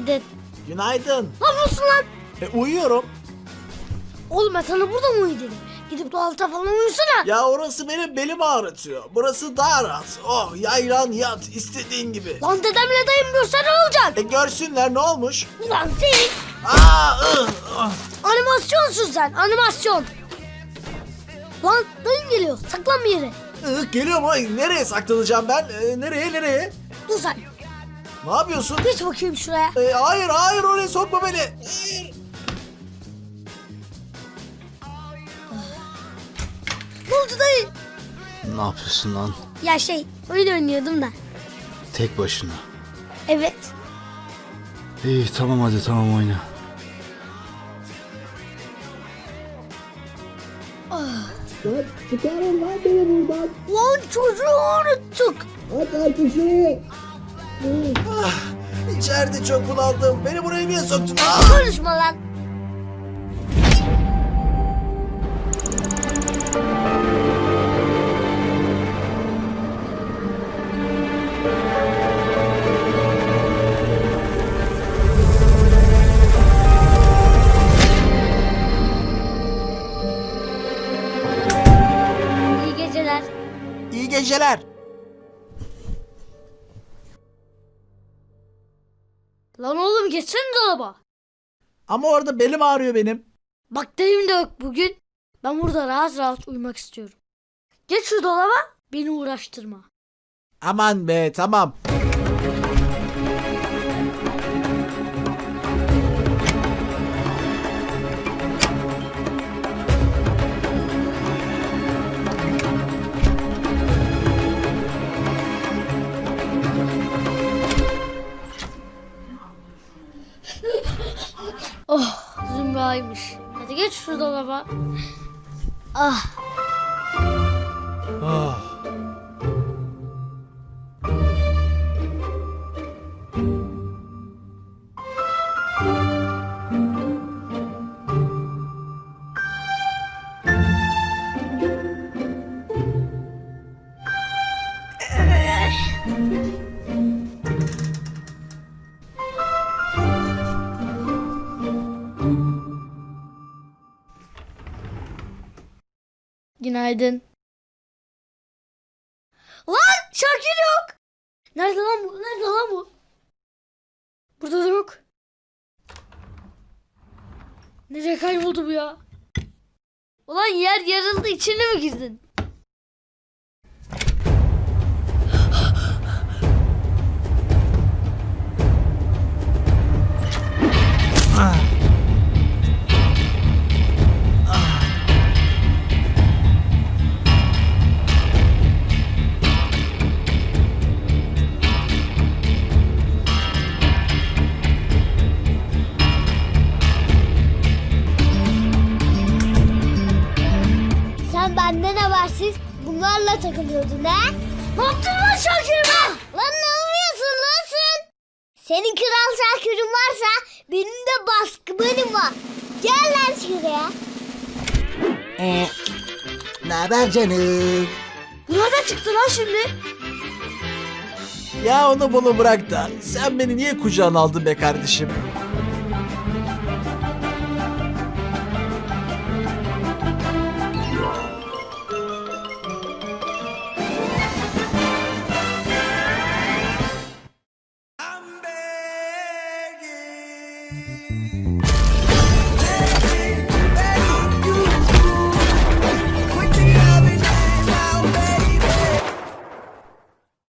Günaydın. Günaydın. Ne yapıyorsun lan? Uyuyorum. Oğlum ben sana burada mı uyu dedim? Gidip tuvalete falan uyusana. Ya orası benim belimi ağrıtıyor. Burası daha rahat. Oh yaylan yat istediğin gibi. Lan dedemle dayım görse ne olacak? Görsünler ne olmuş? Ulan senin Aa. animasyonsun sen, animasyon. Lan dayım geliyor, saklan bir yere. Geliyor mu? Nereye saklanacağım ben? Nereye? Dur sen, Ne yapıyorsun? geç bakayım şuraya. Hayır oraya sokma beni. Hayır. Ne oldu dayı? Ne yapıyorsun lan? Ya oyun oynuyordum da. Tek başına. Evet. İyi tamam hadi tamam oyna. Çıkarın lan beni buradan. Lan çocuğu unuttuk. At artık şurayı. İçeride çok bunaldım. Beni buraya niye soktun? Konuşma lan. İyi geceler. İyi geceler. Lan oğlum geçsene dolaba. Ama orada belim ağrıyor benim. Bak dayım da yok bugün. Ben burada rahat rahat uyumak istiyorum. Geç şu dolaba, beni uğraştırma. Aman be tamam. Oh, Zümra'ymış. Hadi geç şu dolaba. Ah, Ah. günaydın. Lan Şakir yok. Nerede lan bu? Nerede lan bu? Burada da yok. Nereye kayboldu bu ya? Ulan yer yarıldı, içine mi girdin? Sen benden habersiz bunlarla takılıyordun ha? Ne yaptın lan Şakir'ime? Lan ne yapıyorsun lan sen? Senin kral Şakir'in varsa benim de baskınım var. Gel lan şuraya. Ne haber canım? Nereden çıktı lan şimdi? Ya onu bunu bırak da sen beni niye kucağına aldın be kardeşim?